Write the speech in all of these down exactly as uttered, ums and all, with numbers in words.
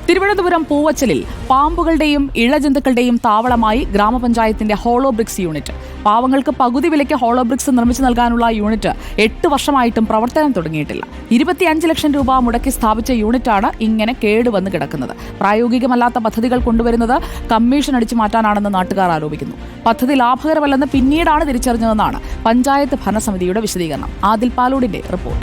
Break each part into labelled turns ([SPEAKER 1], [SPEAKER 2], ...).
[SPEAKER 1] തിരുവനന്തപുരം പൂവച്ചലിൽ പാമ്പുകളുടെയും ഇഴജന്തുക്കളുടെയും താവളമായി ഗ്രാമപഞ്ചായത്തിന്റെ hollow bricks unit. പാവങ്ങൾക്ക് പകുതി വിലയ്ക്ക് ഹോളോ ബ്രിക്സ് നിർമ്മിച്ചു നൽകാനുള്ള യൂണിറ്റ് എട്ട് വർഷമായിട്ടും പ്രവർത്തനം തുടങ്ങിയിട്ടില്ല. ഇരുപത്തിയഞ്ച് ലക്ഷം രൂപ മുടക്കി സ്ഥാപിച്ച യൂണിറ്റാണ് ഇങ്ങനെ കേടുവന്ന് കിടക്കുന്നത്. പ്രായോഗികമല്ലാത്ത പദ്ധതികൾ കൊണ്ടുവരുന്നത് കമ്മീഷൻ അടിച്ചു മാറ്റാനാണെന്ന് നാട്ടുകാർ ആരോപിക്കുന്നു. പദ്ധതി ലാഭകരമല്ലെന്ന് പിന്നീടാണ് തിരിച്ചറിഞ്ഞതെന്നാണ് പഞ്ചായത്ത് ഭരണസമിതിയുടെ വിശദീകരണം. ആദിൽ പാലോടിന്റെ റിപ്പോർട്ട്.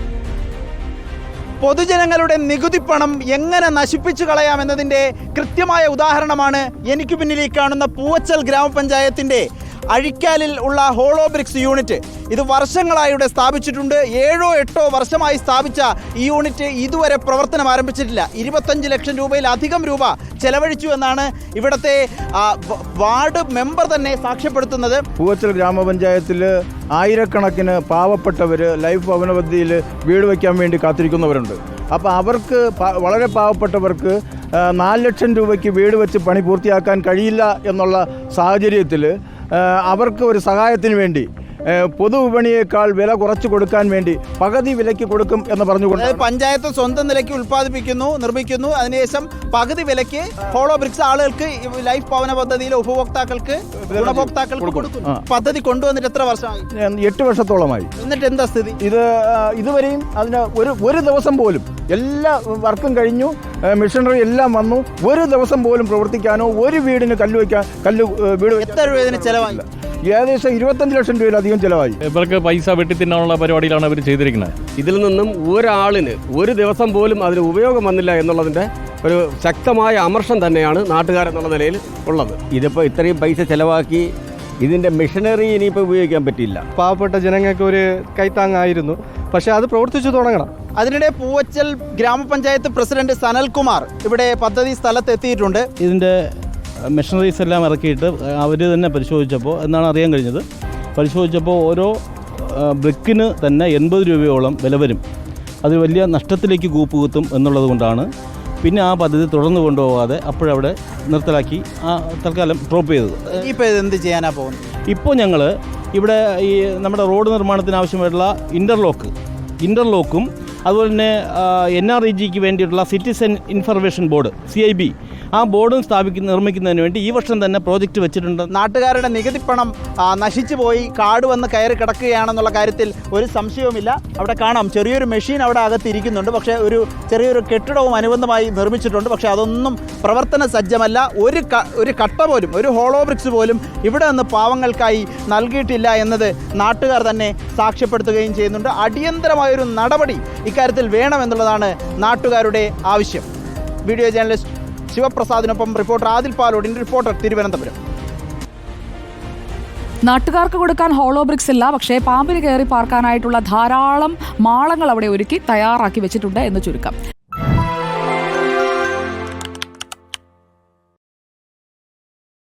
[SPEAKER 2] പൊതുജനങ്ങളുടെ നികുതി പണം എങ്ങനെ നശിപ്പിച്ചു കളയാമെന്നതിൻ്റെ കൃത്യമായ ഉദാഹരണമാണ് എനിക്ക് പിന്നിൽ കാണുന്ന പൂവച്ചൽ ഗ്രാമപഞ്ചായത്തിൻ്റെ അഴിക്കാലിൽ ഉള്ള ഹോളോ ബ്രിക്സ് യൂണിറ്റ്. ഇത് വർഷങ്ങളായി ഇവിടെ സ്ഥാപിച്ചിട്ടുണ്ട്. ഏഴോ എട്ടോ വർഷമായി സ്ഥാപിച്ച ഈ യൂണിറ്റ് ഇതുവരെ പ്രവർത്തനം ആരംഭിച്ചിട്ടില്ല. ഇരുപത്തഞ്ച് ലക്ഷം രൂപയിലധികം രൂപ ചെലവഴിച്ചു എന്നാണ് ഇവിടുത്തെ വാർഡ് മെമ്പർ തന്നെ സാക്ഷ്യപ്പെടുത്തുന്നത്.
[SPEAKER 3] പൂവച്ചൽ ഗ്രാമപഞ്ചായത്തിൽ ആയിരക്കണക്കിന് പാവപ്പെട്ടവർ ലൈഫ് ഭവന പദ്ധതിയിൽ വീട് വയ്ക്കാൻ വേണ്ടി കാത്തിരിക്കുന്നവരുണ്ട്. അപ്പോൾ അവർക്ക് വളരെ പാവപ്പെട്ടവർക്ക് നാല് ലക്ഷം രൂപയ്ക്ക് വീട് വെച്ച് പണി പൂർത്തിയാക്കാൻ കഴിയില്ല എന്നുള്ള സാഹചര്യത്തിൽ അവർക്ക് ഒരു സഹായത്തിന് വേണ്ടി പൊതുവിപണിയേക്കാൾ വില കുറച്ച് കൊടുക്കാൻ വേണ്ടി പകുതി വിലയ്ക്ക് കൊടുക്കും എന്ന് പറഞ്ഞുകൊണ്ട്
[SPEAKER 2] പഞ്ചായത്ത് സ്വന്തം നിലയ്ക്ക് ഉൽപ്പാദിപ്പിക്കുന്നു, നിർമ്മിക്കുന്നു. അതിനുശേഷം പകുതി വിലയ്ക്ക് ഹോളോ ബ്രിക്സ് ആളുകൾക്ക് ലൈഫ് ഭവന പദ്ധതിയിലെ ഉപഭോക്താക്കൾക്ക് ഗുണഭോക്താക്കൾക്ക് കൊടുക്കുന്നു. പദ്ധതി കൊണ്ടുവന്നിട്ട് എത്ര വർഷമായി?
[SPEAKER 3] എട്ട് വർഷത്തോളമായി.
[SPEAKER 2] എന്നിട്ട് എന്താ സ്ഥിതി?
[SPEAKER 3] ഇത് ഇതുവരെയും അതിന് ഒരു ഒരു ദിവസം പോലും എല്ലാ വർക്കും കഴിഞ്ഞു, മെഷീനറി എല്ലാം വന്നു, ഒരു ദിവസം പോലും പ്രവർത്തിക്കാനോ ഒരു വീടിന് കല്ല് വയ്ക്കാൻ കല്ല് വീട്
[SPEAKER 2] എത്ര രൂപ ഇതിന് ചെലവായി?
[SPEAKER 3] ഏകദേശം ഇരുപത്തഞ്ച് ലക്ഷം രൂപയിലധികം ചിലവായി.
[SPEAKER 4] ഇവർക്ക് പൈസ വെട്ടിത്തിന്നാനുള്ള പരിപാടിയിലാണ് അവർ ചെയ്തിരിക്കുന്നത്.
[SPEAKER 5] ഇതിൽ നിന്നും ഒരാളിന് ഒരു ദിവസം പോലും അതിന് ഉപയോഗം വന്നില്ല എന്നുള്ളതിൻ്റെ ഒരു ശക്തമായ അമർഷം തന്നെയാണ് നാട്ടുകാരെന്നുള്ള നിലയിൽ ഉള്ളത്. ഇതിപ്പോൾ ഇത്രയും പൈസ ചിലവാക്കി ഇതിൻ്റെ മെഷീനറി ഇനിയിപ്പോൾ ഉപയോഗിക്കാൻ പറ്റില്ല.
[SPEAKER 6] പാവപ്പെട്ട ജനങ്ങൾക്ക് ഒരു കൈത്താങ്ങായിരുന്നു, പക്ഷേ അത് പ്രവർത്തിച്ചു തുടങ്ങണം.
[SPEAKER 2] അതിനിടെ പൂവച്ചൽ ഗ്രാമപഞ്ചായത്ത് പ്രസിഡന്റ് സനൽകുമാർ ഇവിടെ പദ്ധതി സ്ഥലത്ത് എത്തിയിട്ടുണ്ട്.
[SPEAKER 7] ഇതിൻ്റെ മെഷീനറീസ് എല്ലാം ഇറക്കിയിട്ട് അവർ തന്നെ പരിശോധിച്ചപ്പോൾ എന്നാണ് അറിയാൻ കഴിഞ്ഞത്. പരിശോധിച്ചപ്പോൾ ഓരോ ബ്രിക്കിന് തന്നെ എൺപത് രൂപയോളം വില വരും. അത് വലിയ നഷ്ടത്തിലേക്ക് കൂപ്പ് കുത്തും എന്നുള്ളത് കൊണ്ടാണ് പിന്നെ ആ പദ്ധതി തുടർന്ന് കൊണ്ടുപോകാതെ അപ്പോഴവിടെ നിർത്തലാക്കി ആ തൽക്കാലം ഡ്രോപ്പ് ചെയ്തത്.
[SPEAKER 2] ഇപ്പോൾ ഇത് എന്ത് ചെയ്യാനാണ് പോകുന്നത്?
[SPEAKER 7] ഇപ്പോൾ ഞങ്ങൾ ഇവിടെ ഈ നമ്മുടെ റോഡ് നിർമ്മാണത്തിന് ആവശ്യമായിട്ടുള്ള ഇൻ്റർലോക്ക് ഇൻ്റർലോക്കും അതുപോലെ തന്നെ എൻ ആർ ഇ ജിക്ക് വേണ്ടിയിട്ടുള്ള citizen information board C I B ആ ബോർഡും സ്ഥാപിക്കുന്ന നിർമ്മിക്കുന്നതിന് വേണ്ടി ഈ വർഷം തന്നെ പ്രോജക്റ്റ് വെച്ചിട്ടുണ്ട്.
[SPEAKER 2] നാട്ടുകാരുടെ നികുതി പണം നശിച്ചു പോയി കാട് വന്ന് കയറി കിടക്കുകയാണെന്നുള്ള കാര്യത്തിൽ ഒരു സംശയവുമില്ല. അവിടെ കാണാം ചെറിയൊരു മെഷീൻ അവിടെ അകത്തിരിക്കുന്നുണ്ട്. പക്ഷേ ഒരു ചെറിയൊരു കെട്ടിടവും അനുബന്ധമായി നിർമ്മിച്ചിട്ടുണ്ട്. പക്ഷേ അതൊന്നും പ്രവർത്തന സജ്ജമല്ല. ഒരു ഒരു കട്ട പോലും ഒരു ഹോളോ ബ്രിക്സ് പോലും ഇവിടെ നിന്ന് പാവങ്ങൾക്കായി നൽകിയിട്ടില്ല എന്നത് നാട്ടുകാർ തന്നെ സാക്ഷ്യപ്പെടുത്തുകയും ചെയ്യുന്നുണ്ട്. അടിയന്തരമായൊരു നടപടി ഇക്കാര്യത്തിൽ വേണമെന്നുള്ളതാണ് നാട്ടുകാരുടെ ആവശ്യം. വീഡിയോ ജേർണലിസ്റ്റ് ശിവപ്രസാദിനൊപ്പം റിപ്പോർട്ടർ ആദിൽ പാലോടിൻ്റെ റിപ്പോർട്ടർ തിരുവനന്തപുരം.
[SPEAKER 1] നാട്ടുകാർക്ക് കൊടുക്കാൻ ഹോളോ ബ്രിക്സ് ഇല്ല, പക്ഷേ പാമ്പിന് കയറി പാർക്കാനായിട്ടുള്ള ധാരാളം മാളങ്ങൾ അവിടെ ഒരുക്കി തയ്യാറാക്കി വെച്ചിട്ടുണ്ട് എന്ന് ചുരുക്കം.